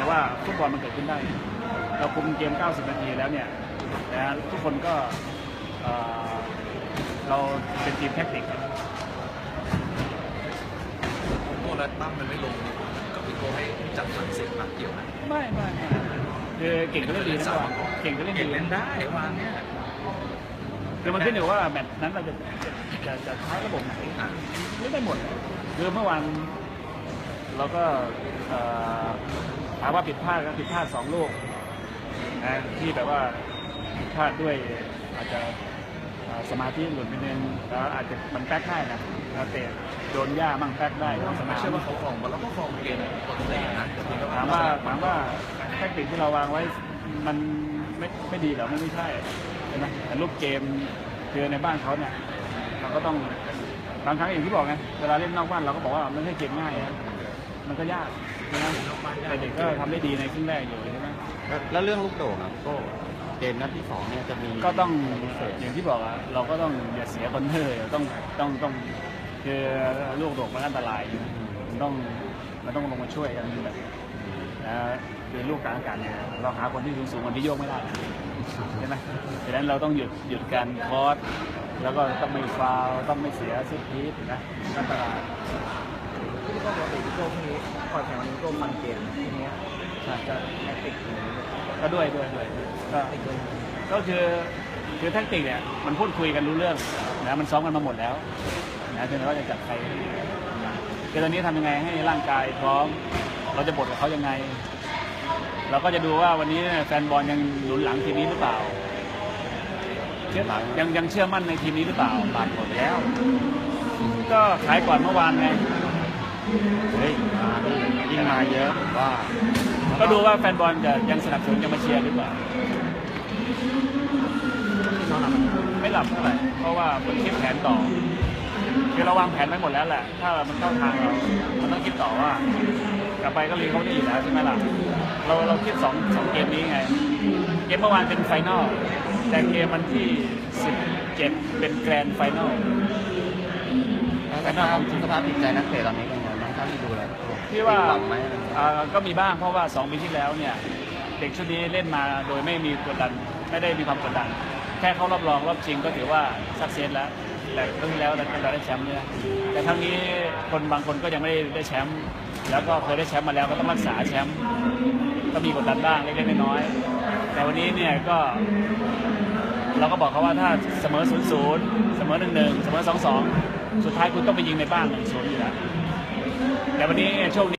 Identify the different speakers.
Speaker 1: ว่าฟุตบอลมันเกิดขึ้นได้เราคุมเกม90 นาทีแล้วเนี่ยนะทุกคนก็เราเป็นทีมแท็กติก
Speaker 2: โก้และตั้มมันไม่ลงกับพี่โก้ให้จัดสรรเสียงมาเกี่ยวนะ
Speaker 1: ไม่คือเก่งก็เล่นดีนะว่าเก่งก็เล่นดี
Speaker 2: เล่นได้วันนี้
Speaker 1: คือมันขึ้นอยู่ว่าแมตช์นั้นเราจะใช้ระบบไหนไม่ได้หมดคือเมื่อวานเราก็ถามว่าผิดพลาดก็ผิดพลาด2 ลูกนะที่แบบว่าพลาดด้วยอาจจะสมาธิหลุดไปนึงแล้วอาจจะมันแป๊กได้นะเตะโดนหญ้ามั่งแป๊กได้
Speaker 2: ไม่เชื่อว่าเขาคลองมาแล้วก็คลองเกมปกตินะ
Speaker 1: ถามว่าแทคติกที่เราวางไว้มันไม่ดีหรอไม่ใช่ใช่ไหมแต่รูปเกมคือในบ้านเขาเนี่ยเราก็ต้องบางครั้งอย่างที่บอกไงเวลาเล่นนอกบ้านเราก็บอกว่ามันไม่ใช่เกมง่ายนะมันก็ยากนะแต่เด็กก็ทำได้ดีในครึ่งแรกอยู่ใช่ไหม
Speaker 3: แล้วเรื่องลูกโด่งครับก็เกมนัดที่2เนี่ยจะมี
Speaker 1: ก็ต้องอย่างที่บอกอะเราก็ต้องอย่าเสียคอนเทอร์ต้องคือลูกโด่งมันอันตรายมันต้องลงมาช่วยกันแบบคือลูกกลางอากาศเนี่ยเราหาคนที่สูงคนที่โยกไม่ได้ใช่ไหมดังนั้นเราต้องหยุดการคอร์สแล้วก็ต้องไม่ฟาวต้องไม่เสียซิปพีทนะอันตราย
Speaker 4: ที่ก็บอกพี่โก้พวกนี้คอยแข่งวันนี้โก้มันเกมทีนี้จะแทคติก
Speaker 1: ก็ด้วยก็คือแทคติกเนี่ยมันพูดคุยกันรู้เรื่องนะมันซ้อมกันมาหมดแล้วนะถึงเราจะจัดใครคือตอนนี้ทำยังไงให้ร่างกายพร้อมเราจะบดกับเขายังไงเราก็จะดูว่าวันนี้แฟนบอลยังหนุนหลังทีมนี้หรือเปล่ายังเชื่อมั่นในทีมนี้หรือเปล่าบาดหมดแล้วก็ขายก่อนเมื่อวานไง
Speaker 3: ยิ่งมาเยอะว่า
Speaker 1: ก็ดูว่าแฟนบอลจะยังสนับสนุนยังมาเชียร์หรือเปล่าไม่หลับเท่าไหร่เพราะว่ามันคิดแผนต่อคือเราวางแผนไว้หมดแล้วแหละถ้ามันเข้าทางเราต้องคิดต่อว่ากลับไปก็เรียนเขาได้อยู่แล้วใช่ไหมล่ะเราคิด2 เกมนี้ไงเกมเมื่อวานเป็นไฟนอลแต่เกมวันที่17เป็นแกรนด์ไฟนอล
Speaker 3: สภาพจิตใจนักเตะตอนนี้เป็นไงบ้างถ้าที่ดูแล้ว
Speaker 1: พี่ว่าก็มีบ้างเพราะว่า2 ปีที่แล้วเนี่ยเด็กชุดนี้เล่นมาโดยไม่มีกดดันไม่ได้มีความกดดันแค่เข้ารอบรองรอบชิงก็ถือว่าสักเซสแล้วแต่ครั้งที่แล้วเราได้แชมป์เนี่ยแต่ครั้งนี้บางคนก็ยังไม่ได้แชมป์แล้วก็เคยได้แชมป์มาแล้วก็ต้องรักษาแชมป์ก็มีกดดันบ้างเล็กๆน้อยๆแต่วันนี้เนี่ยก็เราก็บอกเขาว่าถ้าเสมอ 0-0 เสมอ 1-1 เสมอ 2-2 สุดท้ายคุณต้องไปยิงในบ้าน 1-0 อยู่แล้วแต่วันนี้โชคดี